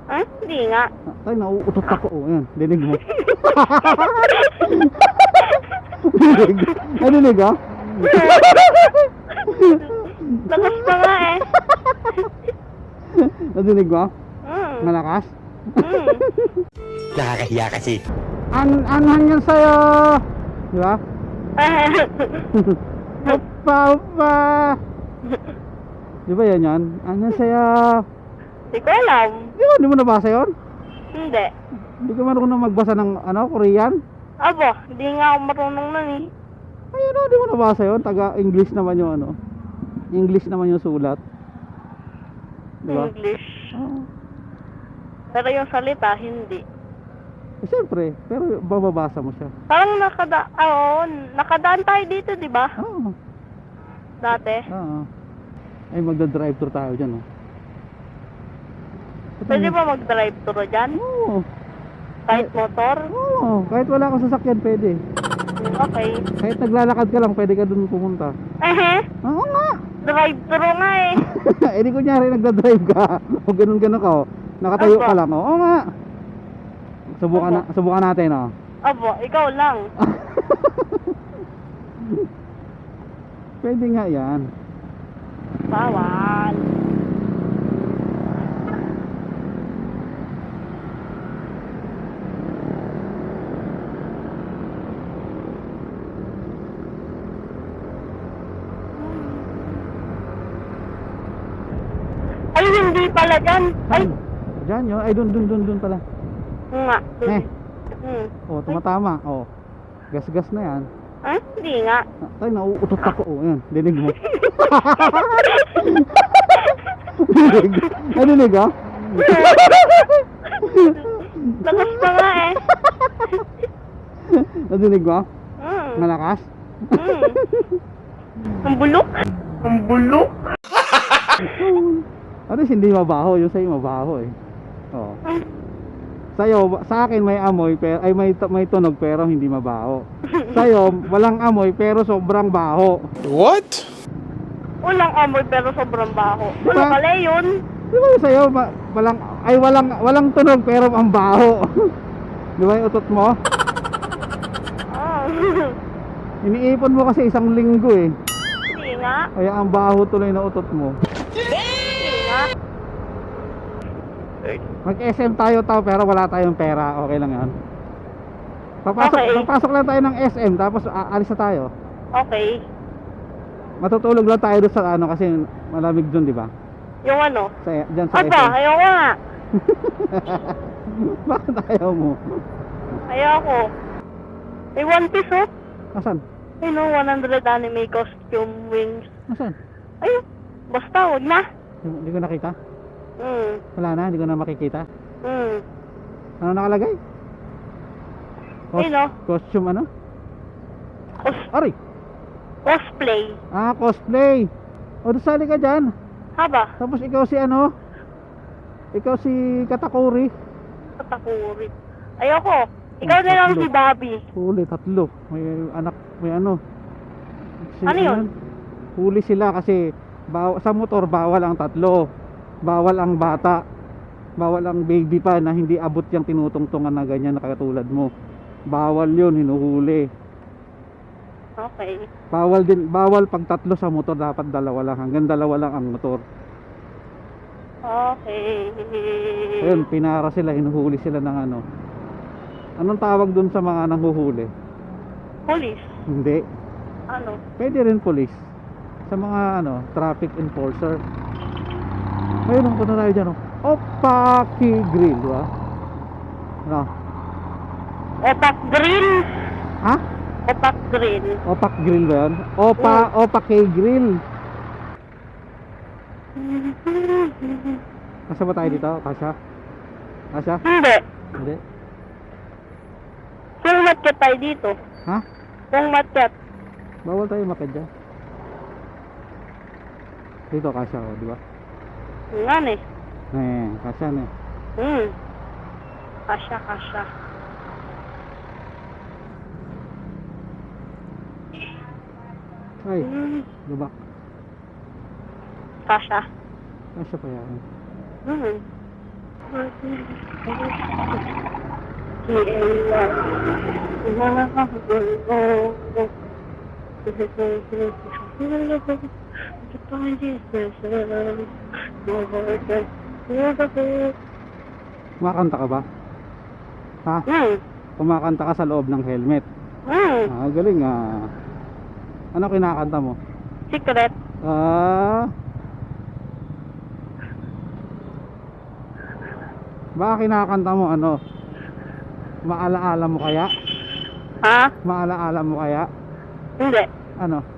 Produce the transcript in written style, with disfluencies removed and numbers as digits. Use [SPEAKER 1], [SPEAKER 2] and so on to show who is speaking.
[SPEAKER 1] Ha? Hindi nga.
[SPEAKER 2] Tay, nauutot ako. Oh, yan. Dinig mo. Dinig. Ay, dinig ah.
[SPEAKER 1] Lakas pa nga eh.
[SPEAKER 2] Nadinig mo?
[SPEAKER 1] Mm.
[SPEAKER 2] Malakas?
[SPEAKER 1] Mm.
[SPEAKER 3] Nakakahiya kasi.
[SPEAKER 2] Anhan yan sa'yo. Di ba? Upa, upa. Di ba yan? Anhan sa'yo.
[SPEAKER 1] Hindi ko alam.
[SPEAKER 2] Di mo nabasa yun?
[SPEAKER 1] Hindi.
[SPEAKER 2] Hindi ka marunong magbasa ng Korean?
[SPEAKER 1] Abo, hindi nga ako marunong nun eh.
[SPEAKER 2] Ayun di mo nabasa yun? Taga-English naman yung English naman yung sulat. Di ba?
[SPEAKER 1] English.
[SPEAKER 2] Oo.
[SPEAKER 1] Pero yung salita, hindi.
[SPEAKER 2] Eh, siyempre, pero bababasa mo siya.
[SPEAKER 1] Parang nakadaan tayo dito, di ba?
[SPEAKER 2] Oo.
[SPEAKER 1] Dati.
[SPEAKER 2] Oo. Ay, magda-drive-thru tayo dyan, oh.
[SPEAKER 1] Pwede ba mag-drive-thru dyan?
[SPEAKER 2] Oo.
[SPEAKER 1] Kahit motor?
[SPEAKER 2] Oo. Kahit wala kang sasakyan, pwede.
[SPEAKER 1] Okay.
[SPEAKER 2] Kahit naglalakad ka lang, pwede ka dun pumunta. Oo nga.
[SPEAKER 1] Drive-thru nga eh.
[SPEAKER 2] Eh di kunyari nagda-drive ka. O ganun-ganun ka, oh. Nakatayo ka lang, oh. Oo nga. Subukan natin, oh.
[SPEAKER 1] Abo, ikaw lang.
[SPEAKER 2] Pwede nga yan.
[SPEAKER 1] Bawal. Ay, hindi pala dyan. Ay,
[SPEAKER 2] Diyan yun. Ay, dun pala.
[SPEAKER 1] nga.
[SPEAKER 2] Eh.
[SPEAKER 1] Hmm.
[SPEAKER 2] Oh, tumatama. Oh. Gas-gas na yan.
[SPEAKER 1] Ah, hindi nga.
[SPEAKER 2] Tay, nauutot ako. Oh, yan. Dinig mo. Dinig. Nadinig, ah?
[SPEAKER 1] Lakas pa nga eh.
[SPEAKER 2] Nadinig mo?
[SPEAKER 1] Hmm.
[SPEAKER 2] Malakas?
[SPEAKER 1] Hmm. Ang bulok. Ang bulok.
[SPEAKER 2] At least hindi mabaho. Yung sa'yo mabaho eh. Oo. Sa'yo, sa akin may amoy pero may tunog pero hindi mabaho. Sa'yo, walang amoy pero sobrang baho.
[SPEAKER 3] What?
[SPEAKER 1] Walang amoy pero sobrang baho. Ano
[SPEAKER 2] Diba?
[SPEAKER 1] pala yun?
[SPEAKER 2] Di ba yung sa'yo, walang tunog pero ang baho. Di ba yung utot mo?
[SPEAKER 1] Ah.
[SPEAKER 2] Iniipon mo kasi isang linggo eh.
[SPEAKER 1] Hindi nga.
[SPEAKER 2] Kaya ang baho tuloy na utot mo.
[SPEAKER 1] Hindi nga.
[SPEAKER 2] Mag-SM tayo pero wala tayong pera. Okay lang yan.
[SPEAKER 1] Okay.
[SPEAKER 2] Papasok lang tayo ng SM tapos aalis na tayo.
[SPEAKER 1] Okay.
[SPEAKER 2] Matutulog lang tayo doon sa kasi malamig doon, di ba?
[SPEAKER 1] Yung ano?
[SPEAKER 2] Diyan sa
[SPEAKER 1] Aba,
[SPEAKER 2] SM.
[SPEAKER 1] ayoko nga.
[SPEAKER 2] Bakit ayaw mo?
[SPEAKER 1] Ayoko. May One Piece oh.
[SPEAKER 2] Asan?
[SPEAKER 1] Ay no, 100 anime costume wings.
[SPEAKER 2] Asan?
[SPEAKER 1] Ayun. Basta, wag na.
[SPEAKER 2] Hindi ko nakita. Wala na, hindi ko na makikita. Ano nakalagay?
[SPEAKER 1] Ayun oh.
[SPEAKER 2] Costume ano? Ari!
[SPEAKER 1] Cosplay.
[SPEAKER 2] Cosplay! O, sali ka dyan.
[SPEAKER 1] Haba.
[SPEAKER 2] Tapos ikaw si ano? Ikaw si Katakuri.
[SPEAKER 1] Katakuri. Ayoko. Ikaw na lang si Bobby.
[SPEAKER 2] Huli, tatlo. May anak, may ano.
[SPEAKER 1] Ano yun?
[SPEAKER 2] Huli sila kasi sa motor bawal ang tatlo. Bawal ang bata. Bawal ang baby pa na hindi abot yung tinutungtungan na ganyan na katulad mo. Bawal yun, hinuhuli.
[SPEAKER 1] Okay.
[SPEAKER 2] Bawal pag tatlo sa motor, dapat dalawa lang. Hanggang dalawa lang ang motor.
[SPEAKER 1] Okay.
[SPEAKER 2] Ayun, pinara sila, hinuhuli sila ng ano. Anong tawag dun sa mga nanghuhuli?
[SPEAKER 1] Police.
[SPEAKER 2] Hindi.
[SPEAKER 1] Ano?
[SPEAKER 2] Pwede rin police. Sa mga traffic enforcer. Ayun, punta tayo dyan. Opaki Grill, di ba? Ano?
[SPEAKER 1] Opak Grill.
[SPEAKER 2] Ha?
[SPEAKER 1] Opak Grill.
[SPEAKER 2] Opak Grill ba yun? Opaki Grill. Kasya ba tayo dito? Kasya? Kasya?
[SPEAKER 1] Hindi.
[SPEAKER 2] Hindi.
[SPEAKER 1] Kung matkat tayo dito.
[SPEAKER 2] Ha?
[SPEAKER 1] Kung matkat.
[SPEAKER 2] Bawal tayo makid dyan. Dito kasya ko, di ba?
[SPEAKER 1] Nga eh.
[SPEAKER 2] Kasya na
[SPEAKER 1] Kasya, kasya.
[SPEAKER 2] Ay, lubak.
[SPEAKER 1] Kasya.
[SPEAKER 2] Kasya pa yan. Kumakanta ka ba? Ha? Kumakanta ka sa loob ng helmet. Galing ah. Ano kinakanta mo?
[SPEAKER 1] Secret.
[SPEAKER 2] Baka kinakanta mo ano? Maalaala mo kaya?
[SPEAKER 1] Ha?
[SPEAKER 2] Maalaala mo kaya?
[SPEAKER 1] Hindi.
[SPEAKER 2] Ano?